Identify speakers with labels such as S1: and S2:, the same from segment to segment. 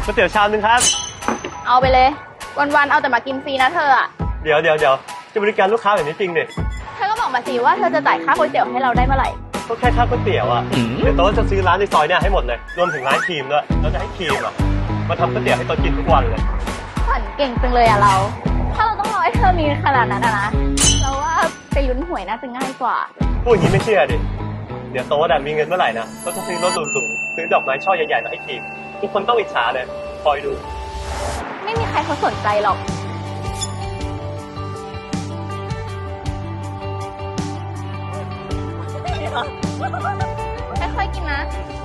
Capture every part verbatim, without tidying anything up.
S1: ก๋วยเตี๋ยวชามนึงครับ
S2: เอาไปเลยวันๆเอาแต่มากินฟรีนะเธออะ
S1: เดี๋ยวเดี๋ยวเดี๋ยวจะบริการลูกค้าแบบนี้จริงดิ
S2: เธอก็บอกมาสิว่าเธอจะจ่ายค่าก๋วยเตี๋ยวให้เราได้เมื่อไหร่
S1: ก็แค่ค่าก๋วยเตี๋ยวอ่ะเดี๋ยวโต๊ะจะซื้อร้านในซอยเนี่ยให้หมดเลยรวมถึงร้านครีมด้วยแล้วจะให้ครีมอ่ะมาทำก๋วยเตี๋ยวให้โต๊ะกินทุกวันเลย
S2: ฝันเก่งจังเลยอะเราถ้าเราต้องรอให้เธอมีขนาดนั้นอะนะเราว่าไปลุ้นหวยน่าจะง่ายกว่า
S1: พูดอย่างนี้ไม่เชื่อดิเดี๋ยวโต๊ะมีเงินเมื่อไหร่นะก็จะซื้อรถหรูๆซื้อดอกไม้ช่อใหญ่ๆมาให้ครีมทุกคนต้องอิจฉาเลยคอยดู
S2: ไม่มีใครเขาสนใจหรอกค่อยๆกินนะ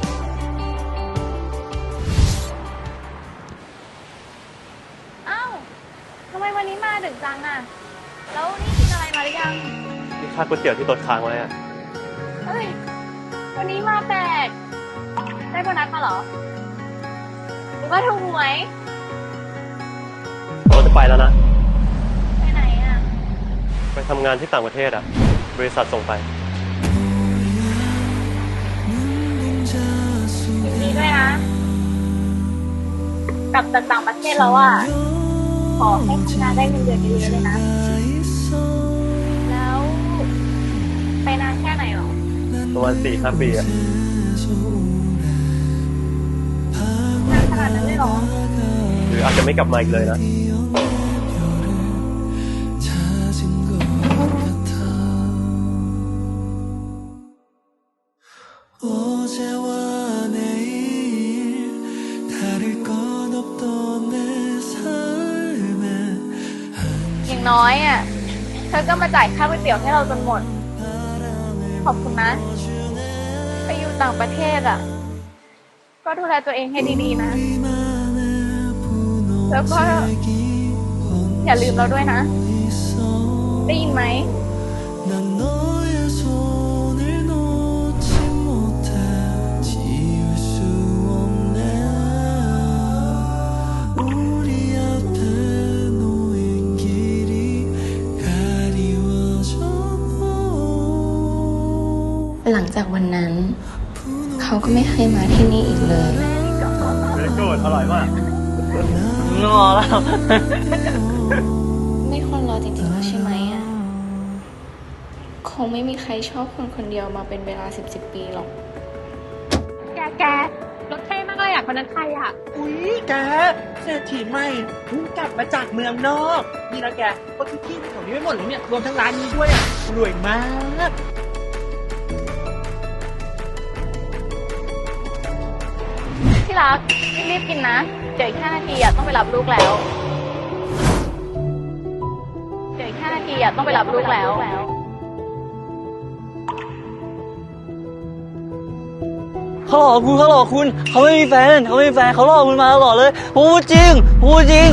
S2: อ้าวทำไมวันนี้มาดึกจังอ่ะแล้วนี่กินอะไรมาหรือยัง
S1: นี่ค่าก๋วยเตี๋ยวที่โต๊ะค้างไว้อ่ะ
S2: เฮ้ยวันนี้มาแปลกได้โบนัสมาเหรอหรือว่าถูกหวย
S1: เราจะไปแล้วนะ
S2: ไปไหนอ่ะ
S1: ไปทำงานที่ต่างประเทศอ่ะบริษัทส่งไป
S2: ยินดีด้วยนะกลับจากต่างประเทศแล้วอ่ะขอให้ทำงานได้เงินเดือนเยอะๆเลยนะแล้วไปนานแค่ไหนหรอ
S1: ประมาณสี่ห้าปีอะ
S2: นานขนาดนั้นเลยหรอ
S1: หรืออาจจะไม่กลับมาอีกเลยนะ
S2: อย่างน้อยอ่ะเธอก็มาจ่ายค่าก๋วยเตี๋ยวให้เราจนหมดขอบคุณนะไปอยู่ต่างประเทศอ่ะก็ดูแลตัวเองให้ดีๆนะแล้วก็อย่าลืมเราด้วยนะได้ยินไหม
S3: หลังจากวันนั้นเขาก็ไม่เคยมาที่นี่อีกเลย
S1: เบรโก้อร่อยมากงอแล้ว
S3: ไม่ควรรอจริงๆแล้วใช่ไหมอ่ะคงไม่มีใครชอบคนคนเดียวมาเป็นเวลาสิบสิบปีหรอก
S2: แกแกรถเท่มากเลยอ่ะคนนั้นใครอ่ะ
S4: อุ๊ยแกเศรษฐีใหม่เพิ่งกลับมาจากเมืองนอกนี่นะแกก็ทุกที่แถวนี้ไม่หมดเลยเนี่ยรวมทั้งร้านนี้ด้วยอ่ะรวยมาก
S2: ที่รักรีบๆกินนะเดี๋ยวอีกห้านาทีอ่ะต้องไปรับลูกแล้วเดี๋ยวอีกห้านาทีอ่ะต้องไปรับลูกแล้ว
S5: เขาหลอกคุณเขาหลอกคุณเขาไม่มีแฟนเขาไม่มีแฟนเขาหลอกคุณมาตลอดเลยพูดจริงพูดจริง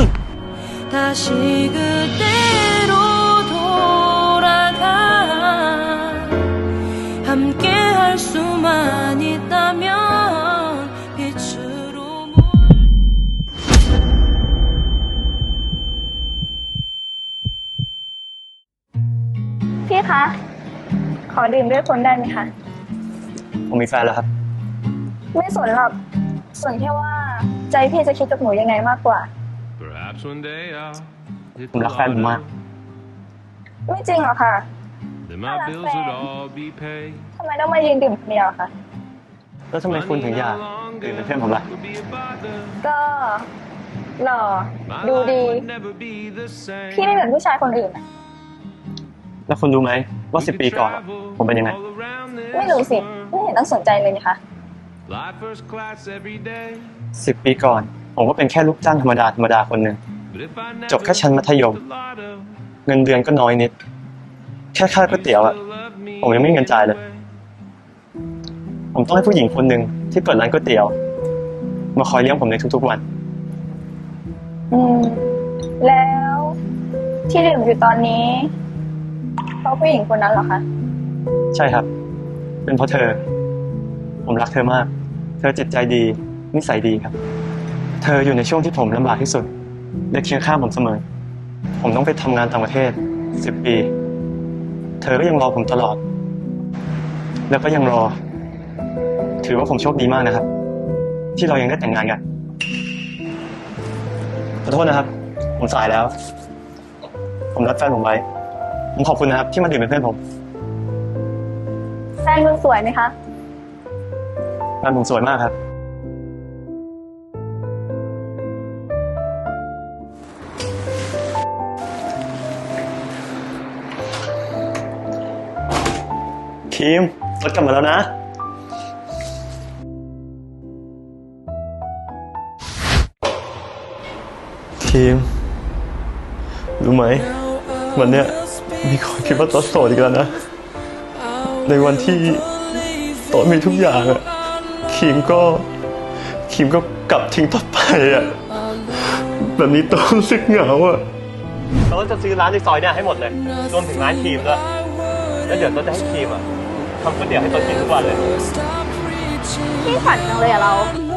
S2: พี่คะขอดื่มด้วยคนได้ไหมคะ
S1: ผมมีแฟนแล้วครับ
S2: ไม่สนหรอกสนแค่ว่าใจพี่จะคิดกับหนูยังไงมากกว่า
S1: ผมรักแฟนผมมาก
S2: ไม่จริงหรอกค่ะถ้ารักแฟนทำไมต้องมายืนดื่มคนเดียวคะ
S1: แล้วทำไมคุณถึงอยากดื่มเป็นเพื่อนผมล่ะ
S2: ก็หล่อดูดีพี่ไม่เหมือนผู้ชายคนอื่นอะ
S1: แล้วคุณรู้ไหมว่าสิบปีก่อนผมเป็นยังไง
S2: ไม่รู้สิไม่เห็นต้องสนใจเลยนะคะ
S1: สิบปีก่อนผมก็เป็นแค่ลูกจ้างธรรมดาธรรมดาคนหนึ่งจบแค่ชั้นมัธยมเงินเดือนก็น้อยนิดแค่ค่าก๋วยเตี๋ยวอะผมยังไม่มีเงินจ่ายเลยผมต้องให้ผู้หญิงคนหนึ่งที่เปิดร้านก๋วยเตี๋ยวมาคอยเลี้ยงผมในทุกๆวัน
S2: อืมแล้วที่ดื่มอยู่ตอนนี้เพราะผู้หญิงคนนั้นเหรอคะ
S1: ใช่ครับเป็นเพราะเธอผมรักเธอมากเธอจิตใจดีนิสัยดีครับเธออยู่ในช่วงที่ผมลำบากที่สุดและเคียงข้างผมเสมอผมต้องไปทำงานต่างประเทศสิบปีเธอก็ยังรอผมตลอดแล้วก็ยังรอถือว่าผมโชคดีมากนะครับที่เรายังได้แต่งงานกันขอโทษนะครับ ผมสายแล้ว ผมนัดแฟนผมไว้ ผมขอบคุณนะครับ ที่มาดื่มเป็นเพื่อนผม
S2: แฟนคุณสวยไหมคะ
S1: แฟนผมสวยมากครับ ครีมรถกลับมาแล้วนะ ครีม รู้ไหม วันเนี้ยมีคนคิดว่าต๊อดโสดอีกแล้วนะ ในวันที่ต๊อดมีทุกอย่างอะครีมก็ครีมก็กลับทิ้งต๊อดไปอะแบบนี้ต๊อดรู้สึกเหงาอะต๊อดจะซื้อร้านในซอยเนี่ยให้หมดเลย รวมถึงร้านครีมด้วยแล้วเดี๋ยวต๊อดจะให้ครีมอะทำก๋วยเตี๋ยวให้ต๊อดกินทุกวันเลย
S2: พี่ฝันจังเลยอะเรา